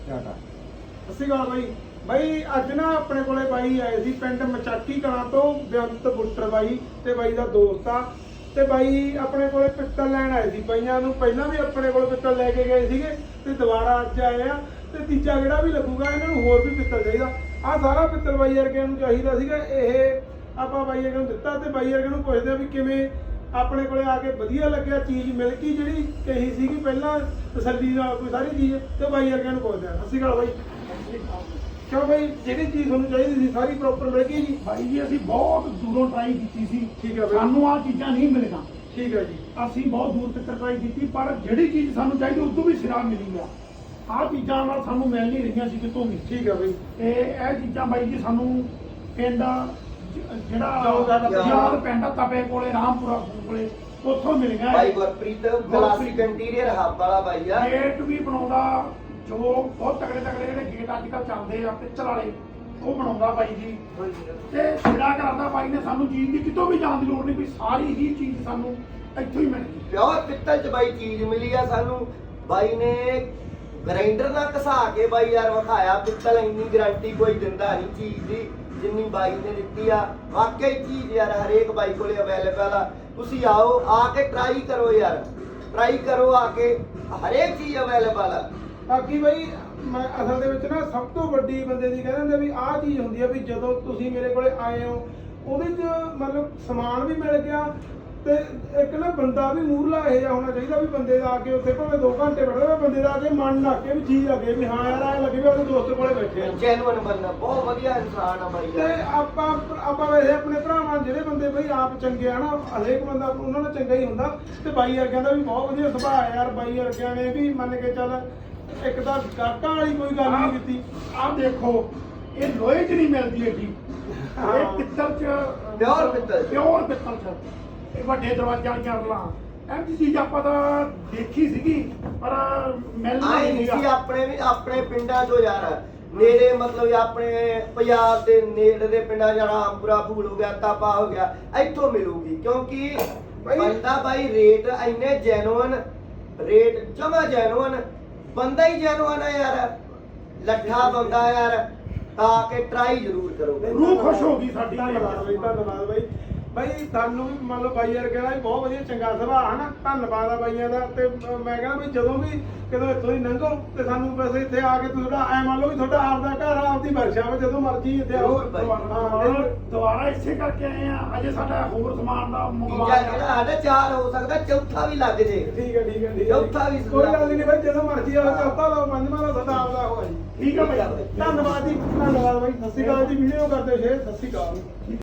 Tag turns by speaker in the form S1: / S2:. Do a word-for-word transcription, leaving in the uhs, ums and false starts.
S1: ਟਾਟਾ।
S2: ਸਤਿ ਸ਼੍ਰੀ ਅਕਾਲ ਬਾਈ। ਬਾਈ ਅੱਜ ਨਾ ਆਪਣੇ ਕੋਲੇ ਬਾਈ ਆਏ ਸੀ ਪਿੰਡ ਮਚਾਕੀ ਕਲਾਂ ਤੋਂ, ਬੇਅੰਤ ਬੁੱਟਰ ਬਾਈ ਤੇ ਬਾਈ ਦਾ ਦੋਸਤ ਆ। ਤੇ ਬਾਈ ਆਪਣੇ ਕੋਲੇ ਪਿੱਤਲ ਲੈਣ ਆਏ ਸੀ। ਬਾਈਆਂ ਨੂੰ ਪਹਿਲਾਂ ਵੀ ਆਪਣੇ ਕੋਲ ਪਿੱਤਲ ਲੈ ਕੇ ਗਏ ਸੀਗੇ ਤੇ ਦੁਬਾਰਾ ਅੱਜ ਆਏ ਆ ਤੇ ਤੀਜਾ ਜਿਹੜਾ ਵੀ ਲੱਗੂਗਾ ਇਹਨਾਂ ਨੂੰ ਹੋਰ ਵੀ ਪਿੱਤਲ ਚਾਹੀਦਾ। ਆਹ ਸਾਰਾ ਪਿੱਤਲ ਬਾਈ ਵਰਗਿਆਂ ਨੂੰ ਚਾਹੀਦਾ ਸੀਗਾ। ਇਹ ਆਪਾਂ ਬਾਈ ਵਰਗਿਆਂ ਨੂੰ ਦਿੱਤਾ ਤੇ ਬਾਈ ਵਰਗਿਆਂ ਨੂੰ ਪੁੱਛਦੇ ਆ ਵੀ ਕਿਵੇਂ ਆਪਣੇ ਕੋਲੇ ਆ ਕੇ ਵਧੀਆ ਲੱਗਿਆ, ਚੀਜ਼ ਮਿਲ ਗਈ ਜਿਹੜੀ ਕਹੀ ਸੀਗੀ ਪਹਿਲਾਂ ਤਸੱਲੀ ਨਾਲ ਕੋਈ ਸਾਰੀ ਚੀਜ਼। ਤੇ ਬਾਈ ਵਰਗਿਆਂ ਨੂੰ ਪੁੱਛਦੇ ਆ। ਸਤਿ ਸ਼੍ਰੀ ਅਕਾਲ ਬਾਈ। ਕਿਉਂ ਬਾਈ ਜਿਹੜੀ ਚੀਜ਼ ਤੁਹਾਨੂੰ ਚਾਹੀਦੀ ਸੀ ਸਾਰੀ ਪ੍ਰੋਪਰ ਮਿਲ ਗਈ ਜੀ?
S1: ਭਾਈ ਜੀ ਅਸੀਂ ਬਹੁਤ ਦੂਰੋਂ ਟਰਾਈ ਕੀਤੀ ਸੀ।
S2: ਠੀਕ ਹੈ ਬਾਈ।
S1: ਸਾਨੂੰ ਆਹ ਚੀਜ਼ਾਂ ਨਹੀਂ ਮਿਲੀਆਂ।
S2: ਠੀਕ ਹੈ ਜੀ।
S1: ਅਸੀਂ ਬਹੁਤ ਦੂਰ ਤੱਕ ਟਰਾਈ ਕੀਤੀ ਪਰ ਜਿਹੜੀ ਚੀਜ਼ ਸਾਨੂੰ ਚਾਹੀਦੀ ਉਸ ਤੋਂ ਵੀ ਸਿਰਾ ਮਿਲੀ ਆ। ਆਹ ਚੀਜ਼ਾਂ ਨਾਲ ਸਾਨੂੰ ਮਿਲ ਨਹੀਂ ਰਹੀਆਂ ਸੀ ਕਿਤੋਂ ਵੀ।
S2: ਠੀਕ ਹੈ ਬਾਈ।
S1: ਤੇ ਇਹ ਚੀਜ਼ਾਂ ਬਾਈ ਜੀ ਸਾਨੂੰ ਪਿੰਡ ਜ- ਜਿਹੜਾ
S2: ਚੌਦਾਂ ਦਾ
S1: ਯਾਦ ਪਿੰਡ ਤਪੇ ਕੋਲੇ ਰਾਮਪੁਰਾ ਕੋਲੇ ਉੱਥੋਂ ਮਿਲ ਗਿਆ।
S3: ਭਾਈ ਗੁਰਪ੍ਰੀਤ ਕਲਾਸਿਕ ਇੰਟੀਰੀਅਰ ਹੱਬ ਵਾਲਾ ਭਾਈ ਆ।
S1: ਗੇਟ ਵੀ ਬਣਾਉਂਦਾ, ਜੋ ਬਹੁਤ ਤਕੜੇ ਤਕੜੇ ਜਿਹੜੇ ਗੇਟ ਅੱਜ ਕੱਲ੍ਹ ਚੱਲਦੇ ਆ ਪਿੱਤਲ ਵਾਲੇ, ਉਹ ਬਣਾਉਂਦਾ ਬਾਈ ਜੀ। ਤੇ ਸਿਰਾ ਕਰਦਾ ਬਾਈ ਨੇ, ਸਾਨੂੰ ਚੀਜ਼ ਦੀ ਕਿਤੋਂ ਵੀ ਜਾਣ ਦੀ ਲੋੜ ਨਹੀਂ, ਵੀ ਸਾਰੀ ਹੀ ਚੀਜ਼ ਸਾਨੂੰ ਇੱਥੋਂ ਹੀ ਮਿਲ ਗਈ।
S3: ਪਿਓਰ ਪਿੱਤਲ ਚ ਬਾਈ ਚੀਜ਼ ਮਿਲੀ ਆ ਸਾਨੂੰ। ਬਾਈ ਨੇ ਗ੍ਰਾਈਂਡਰ ਨਾਲ ਘਸਾ ਕੇ ਬਾਈ ਯਾਰ ਵਿਖਾਇਆ। ਪਿੱਤਲ ਇੰਨੀ ਗਾਰੰਟੀ ਕੋਈ ਦਿੰਦਾ ਨਹੀਂ ਚੀਜ਼ ਦੀ ਜਿੰਨੀ ਬਾਈ ਨੇ ਦਿੱਤੀ ਆ। ਵਾਕਈ ਚੀਜ਼ ਯਾਰ ਹਰੇਕ ਬਾਈ ਕੋਲੇ ਅਵੇਲੇਬਲ ਆ। ਤੁਸੀਂ ਆਓ, ਆ ਕੇ ਟਰਾਈ ਕਰੋ ਯਾਰ, ਟਰਾਈ ਕਰੋ ਆ ਕੇ, ਹਰੇਕ ਚੀਜ਼ ਅਵੇਲੇਬਲ ਆ।
S2: ਬਾਕੀ ਬਾਈ ਮੈਂ ਅਸਲ ਦੇ ਵਿੱਚ ਨਾ ਸਭ ਤੋਂ ਵੱਡੀ ਬੰਦੇ ਦੀ ਕਹਿੰਦੇ ਹੁੰਦੇ ਵੀ ਆਹ ਚੀਜ਼ ਹੁੰਦੀ ਆ ਵੀ ਜਦੋਂ ਤੁਸੀਂ ਮੇਰੇ ਕੋਲੇ ਆਏ ਹੋ ਉਹਦੇ 'ਚ ਮਤਲਬ ਸਮਾਨ ਵੀ ਮਿਲ ਗਿਆ ਤੇ ਇੱਕ ਨਾ ਬੰਦਾ ਵੀ ਮੂਹਰਲਾ ਇਹ ਜਿਹਾ ਹੋਣਾ ਚਾਹੀਦਾ ਵੀ ਬੰਦੇ ਦਾ ਆ ਕੇ ਉੱਥੇ ਭਾਵੇਂ ਦੋ ਘੰਟੇ ਬੈਠਾ, ਬੰਦੇ ਦਾ ਆ ਕੇ ਮਨ ਲੱਗ ਕੇ ਵੀ ਚੀਜ਼ ਲੱਗੇ ਵੀ ਹਾਂ ਯਾਰ ਐਂ ਲੱਗੇ ਵੀ ਆਪਣੇ ਦੋਸਤ ਕੋਲੇ ਬੈਠੇ ਆ।
S3: ਜੈਨੂਅਨ ਬੰਦਾ, ਬਹੁਤ ਵਧੀਆ ਇਨਸਾਨ ਆ ਬਾਈ
S2: ਤੇ
S3: ਯਾਰ।
S2: ਆਪਾਂ ਆਪਾਂ ਵੈਸੇ ਆਪਣੇ ਭਰਾਵਾਂ ਜਿਹੜੇ ਬੰਦੇ ਬਈ ਆਪ ਚੰਗੇ ਆ ਨਾ, ਹਰੇਕ ਬੰਦਾ ਉਹਨਾਂ ਨਾਲ ਚੰਗਾ ਹੀ ਹੁੰਦਾ। ਤੇ ਬਾਈ ਵਰਗਿਆਂ ਦਾ ਵੀ ਬਹੁਤ ਵਧੀਆ ਸੁਭਾਅ ਆ ਯਾਰ। ਬਾਈ ਵਰਗਿਆਂ ਨੇ ਵੀ ਮੰਨ ਕੇ ਚੱਲ ਇੱਕ ਤਾਂ ਗਾਟਾਂ ਵਾਲੀ ਕੋਈ ਗੱਲ ਨਹੀਂ ਕੀਤੀ।
S1: ਆਹ ਦੇਖੋ, ਇਹ ਲੋਹੇ 'ਚ ਨਹੀਂ ਮਿਲਦੀ ਹੈਗੀ, ਇਹ ਪਿੱਤਲ 'ਚ,
S3: ਪਿਓਰ ਪਿੱਤਲ 'ਚ।
S1: ਪਿਓਰ ਪਿੱਤਲ 'ਚ। ਇਹ ਵੱਡੇ ਦਰਵਾਜ਼ੇ ਵਾਲੀਆਂ ਰਲਾਂ, ਇਹ ਚੀਜ਼ ਆਪਾਂ ਤਾਂ ਦੇਖੀ ਸੀਗੀ ਪਰ ਮਿਲਦੀ
S3: ਆਏ ਨਹੀਂ ਸੀ ਆਪਣੇ ਵੀ ਆਪਣੇ ਪਿੰਡਾਂ ਤੋਂ ਯਾਰ। ਨੇੜੇ ਮਤਲਬ ਆਪਣੇ ਪੰਜਾਬ ਦੇ ਨੇੜੇ ਦੇ ਪਿੰਡਾਂ ਜਿਹੜਾ ਰਾਮਪੁਰਾ ਫੂਲ ਹੋ ਗਿਆ, ਤਾਪਾ ਹੋ ਗਿਆ, ਇੱਥੋਂ ਮਿਲੂਗੀ। ਕਿਉਂਕਿ ਬੰਦਾ ਬਾਈ ਰੇਟ ਇੰਨੇ ਜੈਨੂਅਨ, ਰੇਟ ਜਮਾ ਜੈਨੂਅਨ, ਬੰਦਾ ਹੀ ਜੈਨੂਅਨ ਹੈ ਯਾਰ, ਲੱਠਾ ਬੰਦਾ ਯਾਰ। ਤਾਂ ਕਿ ਟਰਾਈ ਜ਼ਰੂਰ ਕਰੋ।
S1: ਰੂਹ ਖੁਸ਼ ਹੋ ਗਈ ਸਾਡੀ।
S2: ਧੰਨਵਾਦ ਬਾਈ, ਧੰਨਵਾਦ ਬਾਈ। ਬਾਈ ਤੁਹਾਨੂੰ ਵੀ ਮੰਨ ਲਓ ਬਾਈ ਵਰਗਿਆਂ ਦਾ ਵੀ ਬਹੁਤ ਵਧੀਆ ਚੰਗਾ ਸੁਭਾਅ ਹੈ ਨਾ। ਧੰਨਵਾਦ ਆ ਬਾਈਆਂ ਦਾ। ਤੇ ਮੈਂ ਕਹਿੰਦਾ ਵੀ ਜਦੋਂ ਵੀ ਕਿਦੋਂ ਇੱਥੋਂ ਹੀ ਲੰਘੋ ਤੇ ਸਾਨੂੰ ਵੈਸੇ ਇੱਥੇ ਆ ਕੇ ਤੁਹਾਡਾ ਐ ਮੰਨ ਲਓ ਵੀ ਤੁਹਾਡਾ ਆਪਦਾ ਘਰ ਆ, ਆਪਦੀ ਵਰਕਸ਼ਾਪ, ਜਦੋਂ ਮਰਜ਼ੀ ਇੱਥੇ ਆਓ।
S3: ਜ਼ਰੂਰ ਬਾਈ।
S2: ਹਾਂ,
S1: ਦੁਬਾਰਾ ਇਸੇ ਕਰਕੇ ਆਏ ਆ। ਅਜੇ ਸਾਡਾ ਹੋਰ ਸਮਾਨ ਦਾ
S3: ਤੀਜਾ
S1: ਮੰਗਵਾ
S3: ਜਿਹੜਾ ਸਾਡਾ ਚਾਰ ਹੋ ਸਕਦਾ, ਚੌਥਾ ਵੀ ਲੱਗ ਜੇ।
S2: ਠੀਕ ਹੈ ਠੀਕ ਹੈ ਠੀਕ ਹੈ।
S3: ਚੌਥਾ ਵੀ
S2: ਕੋਈ ਗੱਲ ਨਹੀਂ ਬਾਈ, ਜਦੋਂ ਮਰਜ਼ੀ ਆਓ। ਚੌਥਾ ਲਾਓ, ਪੰਜਵਾਂ ਲਾਓ, ਤੁਹਾਡਾ ਆਪਦਾ ਹੋਇਆ ਜੀ।
S1: ਠੀਕ ਹੈ ਬਾਈ।
S2: ਧੰਨਵਾਦ ਜੀ, ਧੰਨਵਾਦ ਬਾਈ। ਸਤਿ ਸ਼੍ਰੀ ਅਕਾਲ ਜੀ। ਵੀਡੀਓ ਕਰਦੇ ਸ਼ੇਅਰ। ਸਤਿ ਸ਼੍ਰੀ ਅਕਾਲ।